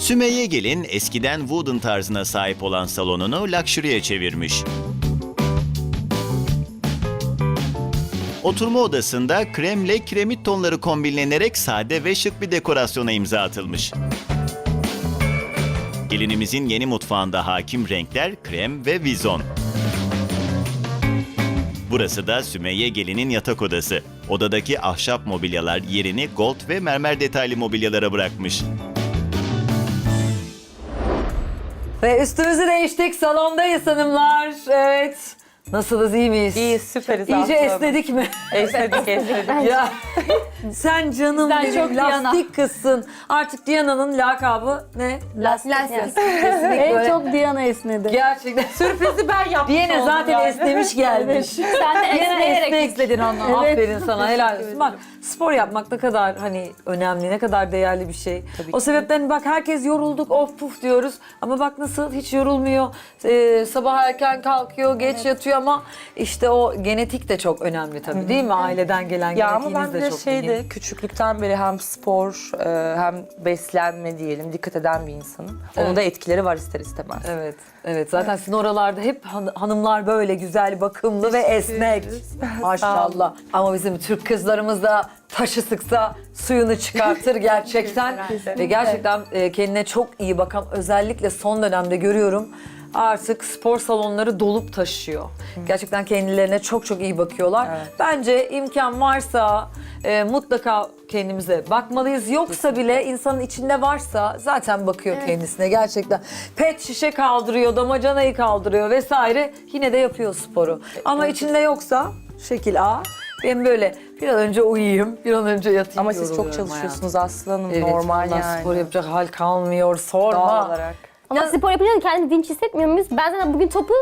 Sümeyye Gelin eskiden wooden tarzına sahip olan salonunu luxury'e çevirmiş. Oturma odasında kremle kiremit tonları kombinlenerek sade ve şık bir dekorasyona imza atılmış. Gelinimizin yeni mutfağında hakim renkler krem ve vizon. Burası da Sümeyye Gelin'in yatak odası. Odadaki ahşap mobilyalar yerini gold ve mermer detaylı mobilyalara bırakmış. Ve üstümüzü değiştik. Salondayız hanımlar. Evet. Nasılız, iyi miyiz? İyiyiz, süperiz İyice aslında. esnedik mi? Esnedik. Ya sen canım Sen benim, çok Diana. lastik kızsın. Artık Diana'nın lakabı ne? Lastik. Kesinlikle En böyle. çok Diana esnedi. Gerçekten. Sürprizi ben yaptım. Diana zaten esnemiş gelmiş. Sen de Diana esneyerek esnek. izledin onu. Aferin sana, helal olsun. Bak, spor yapmak ne kadar hani önemli, ne kadar değerli bir şey. Tabii O ki. sebepten bak herkes yorulduk, of puf diyoruz. Ama bak nasıl hiç yorulmuyor. Sabah erken kalkıyor, geç yatıyor ama işte o genetik de çok önemli tabii değil mi? Aileden gelen Ya ama genetiğiniz ben de de çok şeydi, mühim. küçüklükten beri hem spor hem beslenme diyelim dikkat eden bir insanım. Onun Evet. da etkileri var ister istemez. Evet, evet. Zaten sizin oralarda hep hanımlar böyle güzel, bakımlı ve esnek. Maşallah. Ama bizim Türk kızlarımız da taşı sıksa suyunu çıkartır gerçekten. Ve gerçekten kendine çok iyi bakan, özellikle son dönemde görüyorum. Artık spor salonları dolup taşıyor. Gerçekten kendilerine çok çok iyi bakıyorlar. Evet. Bence imkan varsa mutlaka kendimize bakmalıyız. Yoksa bile insanın içinde varsa zaten bakıyor kendisine gerçekten. Pet şişe kaldırıyor, damacanayı kaldırıyor vesaire. Yine de yapıyor sporu. Ama içinde yoksa şekil A. Ben böyle bir an önce uyuyayım, bir an önce yatayım. Ama siz çok yoruluyorum çalışıyorsunuz Aslı Hanım, hayatım. Evet, normal vallahi yani. spor yapacak hal kalmıyor, sorma. Doğal olarak. Ama spor yapınca da kendimi dinç hissetmiyor muyuz? Ben zaten bugün topu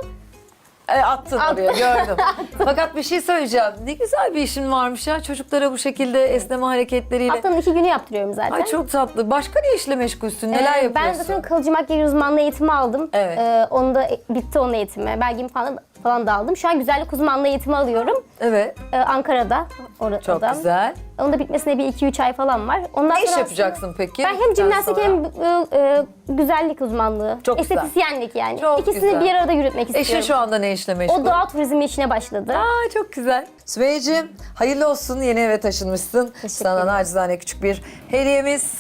Attın oraya, gördüm. Fakat bir şey söyleyeceğim. Ne güzel bir işin varmış ya. Çocuklara bu şekilde esneme hareketleriyle. haftanın 2 günü yaptırıyorum zaten. Ay çok tatlı. Başka ne işle meşgulsün? Neler Ben yapıyorsun? zaten kalıcı makyaj uzmanlığı eğitimi aldım. Evet. Onu da bitti onun eğitimi. Belgemi falan da aldım. Şu an güzellik uzmanlığı eğitimi alıyorum. Evet. Ankara'da. Orada. Çok güzel. Onun da bitmesine bir 2-3 ay falan var. Ondan Ne iş sonra yapacaksın peki? ben hem jimnastik Sonra? hem güzellik uzmanlığı, Çok güzel. estetisyenlik yani. Çok İkisini güzel. bir arada yürütmek istiyorum. Eşin şu anda ne işle meşgul? O doğa turizmi işine başladı. Aa, çok güzel. Sümeyye'cim hayırlı olsun. Yeni eve taşınmışsın. Sana ederim. nacizane küçük bir hediyemiz.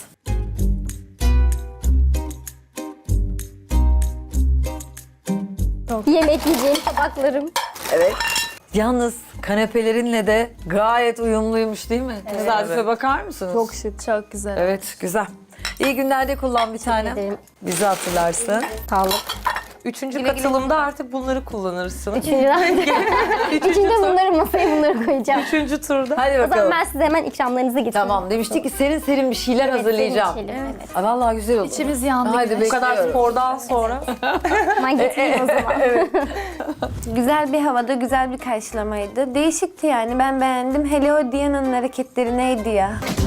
Yemek yiyeceğim tabaklarım. Evet. Yalnız kanepelerinle de gayet uyumluymuş değil mi? Tesadüfe bakar mısınız? Çok şık, çok güzel. Evet, güzel. İyi günlerde kullan bir tane. ederim. Bizi hatırlarsın. Sağlık. Üçüncü katılımda artık bunları kullanırsın. Üçüncüde bunları koyacağım. Üçüncü turda. Hadi O zaman bakalım. ben size hemen ikramlarınızı getireyim. Tamam, demiştik ki serin serin bir şeyler hazırlayacağım. serin bir şeyler, evet. Aa, vallahi güzel oldu. İçimiz yandı. Haydi Bu kadar bekliyorum. spordan sonra. Hemen getireyim o zaman. Güzel bir havada, güzel bir karşılamaydı. Değişikti yani, ben beğendim. Hele o Diana'nın hareketleri neydi ya?